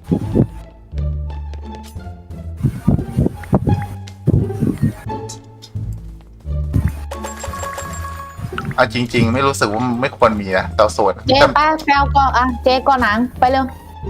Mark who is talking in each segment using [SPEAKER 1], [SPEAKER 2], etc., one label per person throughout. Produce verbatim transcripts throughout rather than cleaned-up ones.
[SPEAKER 1] เอาจริงๆไม่รู้สึกว่าไม่ควรมีนะเตาโซน
[SPEAKER 2] เจ๊ป้าแปลก่อนอ่ะเจ๊ก่อนหนังไปเร็ว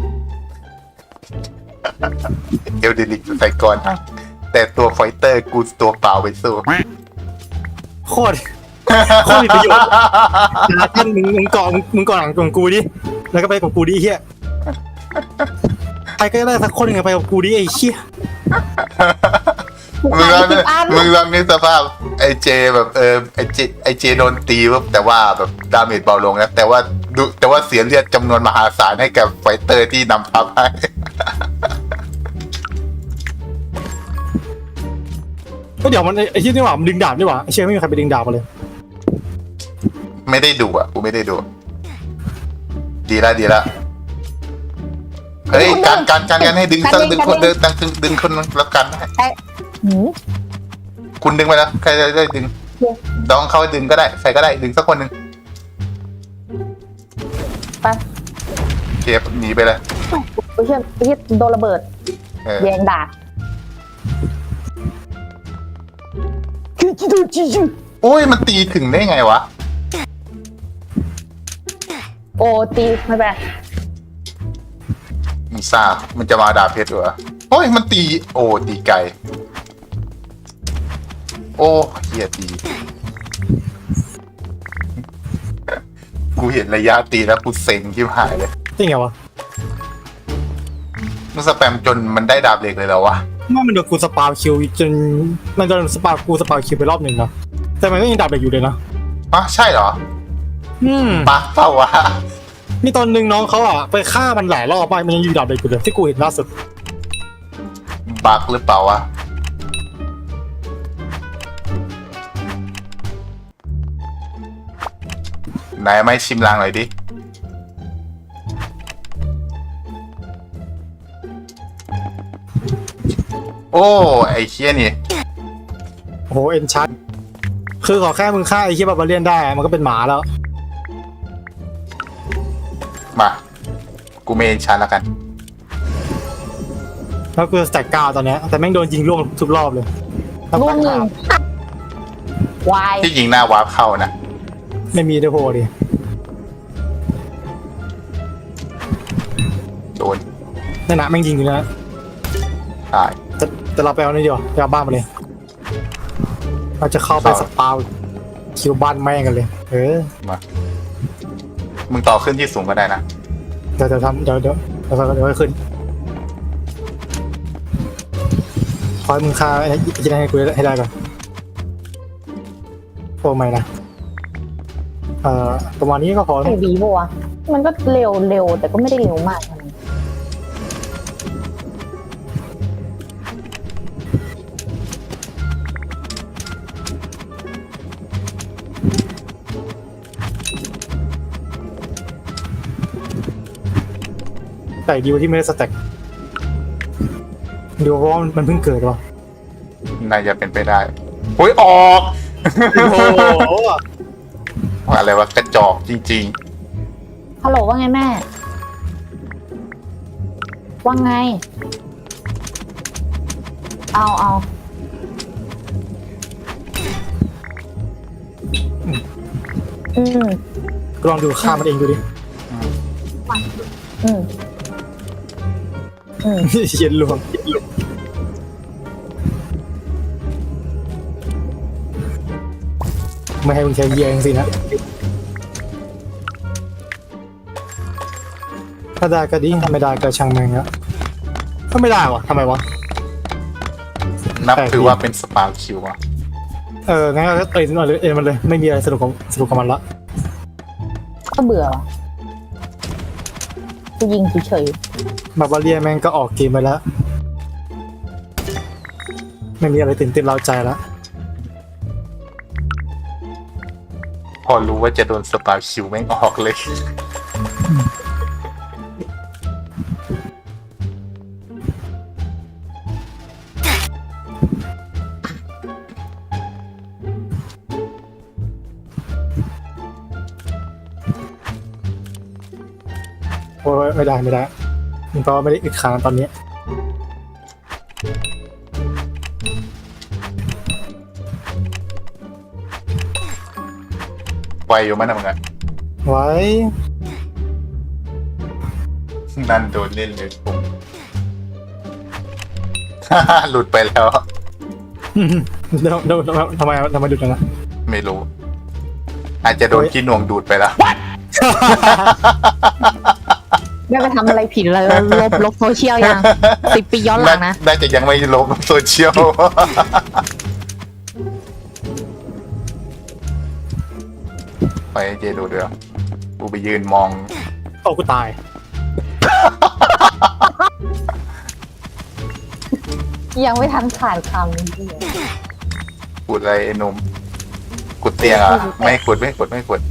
[SPEAKER 1] เอลเดริกใส่ก่อนแต่ตัวไฟเตอร์กูตัวเปล่าไปสู้
[SPEAKER 3] โคตรโคตรมีประโยชน์นะท่านมึงมึงเกาะมึงเกาะหลังของกูดิแล้วก็ไปกับกูดิเฮียใครก็ได้สักคนหนึ่งไปกับกูดิไอ้เชี่ย
[SPEAKER 1] มึงลองนึกมึงลองนึกสภาพไอเจแบบเออไอเจไอเจโดนตีปุ๊บแต่ว่าแบบดาเมจเบาลงนะแต่ว่าดูแต่ว่าเสียเลือดจำนวนมหาศาลให้กับไฟเตอร์ที่นำทัพให้
[SPEAKER 3] ก็เดี๋ยวมันไอ้ที่นี่หว่ามันดึงดาบนี่หว่าไอ้เชี่ยไม่มีใครไปดึงดาบมาเลย
[SPEAKER 1] ไม่ได้ดูอ่ะกูไม่ได้ดู ดีละดีละเฮ้ยการการการกันให้ดึงสักดึงคนเดินดึงดึงคนแล้วกันได้
[SPEAKER 2] ไอ้หืม
[SPEAKER 1] คุณดึงไปแล้วใครจะได้ดึงดองเขาดึงก็ได้ใครก็ได้ดึงสักคนหนึ่ง
[SPEAKER 2] ไป
[SPEAKER 1] เก็บหนีไปเลย
[SPEAKER 2] ไปเชื่อไปเชื่อโดนระเบิด
[SPEAKER 1] เออ
[SPEAKER 2] แยงดาบ
[SPEAKER 1] โอ้ยมันตีถึงได้ไงวะ
[SPEAKER 2] โอ้ตีไม่เป็นไร
[SPEAKER 1] มึงทราบมันจะมาดาบเพชรเหรอโอ้ยมันตีโอ้ตีไกลโอ้เฮียตีกูเห็นระยะตีแล้วกูเซ็งที่หายเลย
[SPEAKER 3] จริงไงวะ
[SPEAKER 1] มึงสแปมจนมันได้ดาบเหล็กเลยแล้ววะ
[SPEAKER 3] ว่ามันโดนกูสปาคิวจนมันโดนสปากูสปาคิวไปรอบหนึ่งนะแต่มันก็ยังดาบเด็กอยู่เลยนะ
[SPEAKER 1] อ๋อใช่เหรอ
[SPEAKER 3] อืม
[SPEAKER 1] ปักเปล่าวะ
[SPEAKER 3] มีตอนหนึ่งน้องเขาอ่ะไปฆ่ามันหลายรอบไปมันยังอยู่ดาบเด็กอยู่เลยที่กูเห็นล่าสุด
[SPEAKER 1] บักหรือเปล่าวะไหนไม่ชิมลางหน่อยดิ โอ้ไอ้เคี้ยนี่
[SPEAKER 3] โอ้โหเอ็นชัดคือขอแค่มึงฆ่าไอ้ที่บาบาเลียนได้มันก็เป็นหมาแล้ว
[SPEAKER 1] มากูเมนชันแล้วกัน
[SPEAKER 3] แล้วกูสแต็กเก้าตอนเนี้ยแต่แม่งโดนยิงล่วงทุกรอบเลย
[SPEAKER 2] ร่วงหนึ่งวาย
[SPEAKER 1] ที่ยิงหน้าวาร์ปเข้านะ
[SPEAKER 3] ไม่มีด้วยโพดิ
[SPEAKER 1] โดน
[SPEAKER 3] นั่นนะแม่งยิงอยู่นะ
[SPEAKER 1] ตาย
[SPEAKER 3] แต่แต่เราไปเอานี่ดีกว่าไปเอาบ้านมาเลยเราจะเข้าไปสปาวคิวบ้านแม่งกันเลยเออ
[SPEAKER 1] มามึงต่อขึ้นที่สูงก็ได้นะ
[SPEAKER 3] เดี๋ยวเดี๋ยวทำเดี๋ยวเดี๋ยวเดี๋ยวเดี๋ยวให้ขึ้นขอให้มึงฆ่าไอ้ที่ได้ให้กูให้ได้ก่อนโอ้ไม่นะเอ่อประมาณนี้ก็พอ
[SPEAKER 2] ไอ้วีบัวะมันก็เร็วเร็วแต่ก็ไม่ได้เร็วมากนะ
[SPEAKER 3] แต่ดีกว่าที่ไม่ได้สแต็กดูเพราะว่ามันเพิ่งเกิดวะ
[SPEAKER 1] น่าจะเป็นไปได้โอ้ยออก
[SPEAKER 3] โอ้โห
[SPEAKER 1] อะไรวะกระจอกจริง
[SPEAKER 2] ฮัลโหลว่าไงแม่ ว่าไง เอาเอาอืม
[SPEAKER 3] ลองดูฆ่ามันเองดูดิ
[SPEAKER 2] อืมอืม
[SPEAKER 3] เย็นลวงไม่ให้มึงใช้เยียงสินะถ้าได้ก็ดีถ้าไม่ได้ก็ช่างแม่งละก็ไม่ได้วะทำไมวะ
[SPEAKER 1] ๆ นับถือว่าเป็นสปาคิวอะ
[SPEAKER 3] เอองั้นก็เอ็นมันเลยเอ็นมันเลยไม่มีอะไรสนุกของสนุกกับมันละ
[SPEAKER 2] ก็เบื่อจะยิงเฉย
[SPEAKER 3] บาบาเลียแม่งก็ออกเกมไปแล้วไม่มีอะไรตื่นเต้นเร้าใจแล้ว
[SPEAKER 1] พอรู้ว่าจะโดนสปาคิวแม่งออกเลย
[SPEAKER 3] โอ้ยไม่ได้ไม่ได้มันแปลว่าไม่ได้อึดค้างตอนนี้
[SPEAKER 1] ไวอยู่มั้ยนะมึงอะ
[SPEAKER 3] ไว้
[SPEAKER 1] นั่นโดนเล่นเลยผม หลุดไปแล้ว
[SPEAKER 3] เดี๋ยวเดี๋ยวทำไมทำไมดูจังนะ
[SPEAKER 1] ไม่รู้ อาจจะโดนขี้หน่วงดูดไปแล้ว
[SPEAKER 2] ไม่ไปทำอะไรผิดเลยลบลบโซเชียลยังสิบปีย้อนหลังนะ
[SPEAKER 1] น่าจะยังไม่ลบโซเชียล ไปให้เจดูเดี๋ยวกูไปยืนมอง
[SPEAKER 3] โอ้กูตาย
[SPEAKER 2] ยังไม่ทันผ่านคำเลย
[SPEAKER 1] ขุดอะไรไอ้หนุ่มขุดเตียงอ่ะ ไม่ขุดไม่ขุดไม่ขุด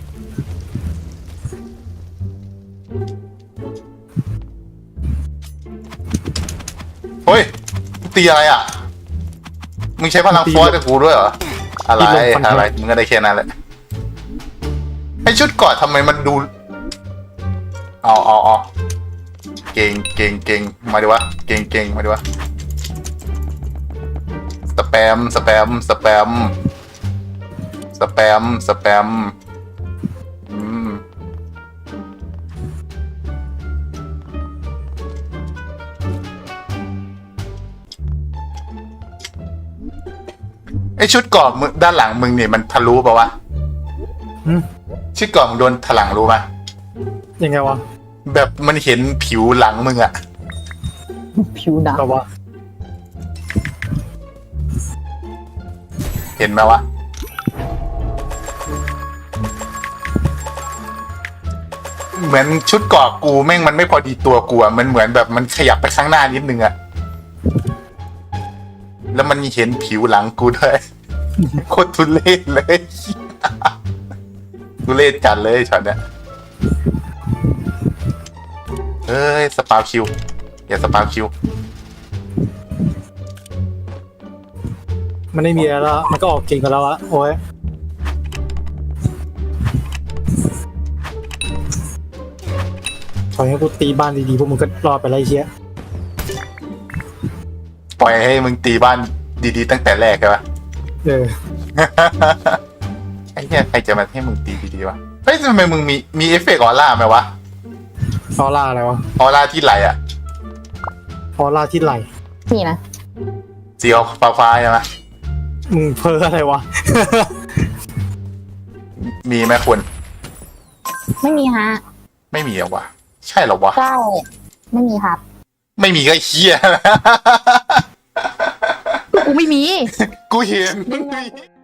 [SPEAKER 1] เฮ้ยตีอะไรอ่ะ มึงใช้พลังฟอสกับกูด้วยเหรอ อะไรอะไรมึงก็ได้แค่นั้นแหละไอชุดเกอดทำไมมันดูเอาเอาเอาเก่งเก่งเก่งมาดิวะเก่งเก่งมาดิวะสแปมสแปมสแปมสแปมสแปมอืมไอชุดเกาะมึงด้านหลังมึงเนี่ยมันทะลุปะวะ
[SPEAKER 3] หืม
[SPEAKER 1] ชุดเกาะมึงโดนถลังรู้ปะ
[SPEAKER 3] ยังไงวะ
[SPEAKER 1] แบบมันเห็นผิวหลังมึงอะ
[SPEAKER 2] ผิวหนัง
[SPEAKER 3] แบบว่า
[SPEAKER 1] เห็นไหมวะเหมือนชุดเกาะกูแม่งมันไม่พอดีตัวกูอะมันเหมือนแบบมันขยับไปข้างหน้านิดนึงอะแล้วมันเห็นผิวหลังกูด้วย โคตรทุเรศเลย ทุเรศจัดเลยช็อตเนี้ยเอ้ยสปาคิวอย่าสปาคิว
[SPEAKER 3] มันไม่มีแล้วมันก็ออกเก่งกันแล้วอะโอ้ยขอให้กูตีบ้านดีๆพวกมึงก็รอดไปแล้วไอ้เชี่ย
[SPEAKER 1] ปล่อยให้มึงตีบ้านดีๆตั้งแต่แรกใช่ปะ
[SPEAKER 3] เออ
[SPEAKER 1] ไอ้เนี่ยใครจะมาให้มึงตีดีๆวะเฮ้ยทำไมมึงมีมีเอฟเฟกต์ออร่าไหมวะ
[SPEAKER 3] ออร่าอะไรวะ
[SPEAKER 1] ออร่าที่ไหลอะ
[SPEAKER 3] ออร่าที่ไหล
[SPEAKER 2] นี่นะ
[SPEAKER 1] สีฟ้าฟ้าๆใช่ไหม
[SPEAKER 3] มึงเพ้ออะไรวะ
[SPEAKER 1] มีไหมคุณ
[SPEAKER 2] ไม่มีฮะ
[SPEAKER 1] ไม่มีเหรอวะใช่เหรอวะ
[SPEAKER 2] ใช่ไม่มีครับ
[SPEAKER 1] ไม่มีก็เฮีย
[SPEAKER 2] กูไม่มี
[SPEAKER 1] กูเห็น